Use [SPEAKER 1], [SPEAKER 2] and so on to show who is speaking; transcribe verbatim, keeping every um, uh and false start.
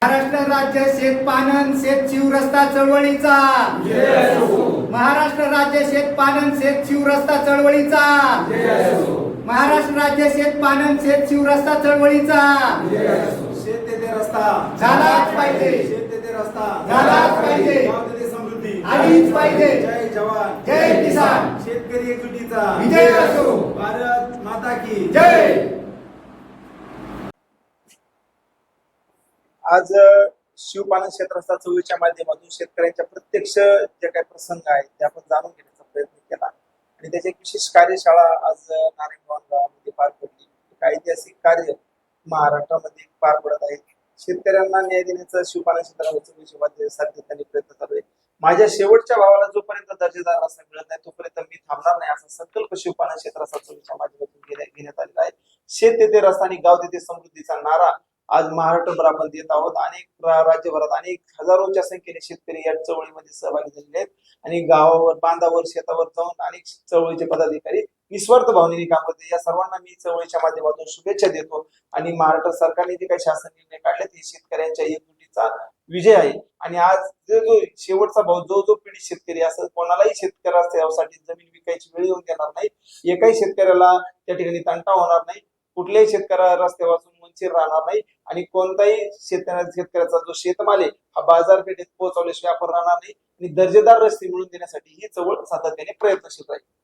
[SPEAKER 1] महाराष्ट्र राज्य शेतपालन शेतशिव रस्ता चळवळीचा महाराष्ट्र राज्य शेतपालन शेतशिव रस्ता चळवळीचा महाराष्ट्र राज्य शेतपालन शेतशिव रस्ता चळवळीचा
[SPEAKER 2] शेत तेथे रस्ता
[SPEAKER 1] झालाच पाहिजे
[SPEAKER 2] शेत तेथे रस्ता
[SPEAKER 1] झालाच पाहिजे
[SPEAKER 2] गाव तेथे समृद्धी
[SPEAKER 1] आलीच पाहिजे
[SPEAKER 2] जय जवान
[SPEAKER 1] जय किसान
[SPEAKER 2] शेतकरी एकजुटीचा
[SPEAKER 1] विजय असो
[SPEAKER 2] भारत माता की
[SPEAKER 1] जय।
[SPEAKER 3] आज शिवपालन क्षेत्राचा चळवळीच्या माध्यमातून शेतकऱ्यांच्या प्रत्यक्ष जे काही प्रसंग आहेत ते आपण जाणून घेण्याचा प्रयत्न केला आणि त्याची एक विशेष कार्यशाळा आज नारायणगाव गावामध्ये पार पडली। एक ऐतिहासिक कार्य महाराष्ट्रामध्ये पार पडत आहे। शेतकऱ्यांना न्याय देण्याचं शिवपालन क्षेत्राच्या चळवळीसाठी त्यांनी प्रयत्न चालू आहे। माझ्या शेवटच्या भावाला जोपर्यंत दर्जेदार रस्ता मिळत नाही तोपर्यंत मी थांबणार नाही असा संकल्प शिवपालन क्षेत्राचा चळवळीच्या माध्यमातून घेण्यात आलेला आहे। शेत तेथे रस्ता आणि गाव तेथे समृद्धीचा नारा आज महाराष्ट्रभर आपण देत आहोत। अनेक राज्यभरात अनेक हजारोच्या संख्येने शेतकरी या चळवळीमध्ये सहभागी झालेले आहेत आणि गावावर बांधावर शेतावर जाऊन अनेक चळवळीचे पदाधिकारी निस्वार्थ भावनेने काम करते। या सर्वांना मी चळवळीच्या माध्यमातून शुभेच्छा देतो आणि महाराष्ट्र सरकारने जे काही शासन निर्णय काढले ते शेतकऱ्यांच्या एकजुटीचा विजय आहे। आणि आज जो जो शेवटचा भाऊ जो जो पीडित शेतकरी असं कोणालाही शेतकऱ्यासाठी जमीन विकायची वेळ येऊन देणार नाही। एकाही शेतकऱ्याला त्या ठिकाणी तंटा होणार नाही। कुठल्याही शेतकऱ्याला रस्त्यापासून वंचित राहणार नाही आणि कोणताही शेतकऱ्या शेतकऱ्याचा जो शेतमाल आहे हा बाजारपेठेत पोहोचवल्याशिवाय आपण राहणार नाही आणि दर्जेदार रस्ते मिळवून देण्यासाठी ही चळवळ सातत्याने प्रयत्नशील राहील।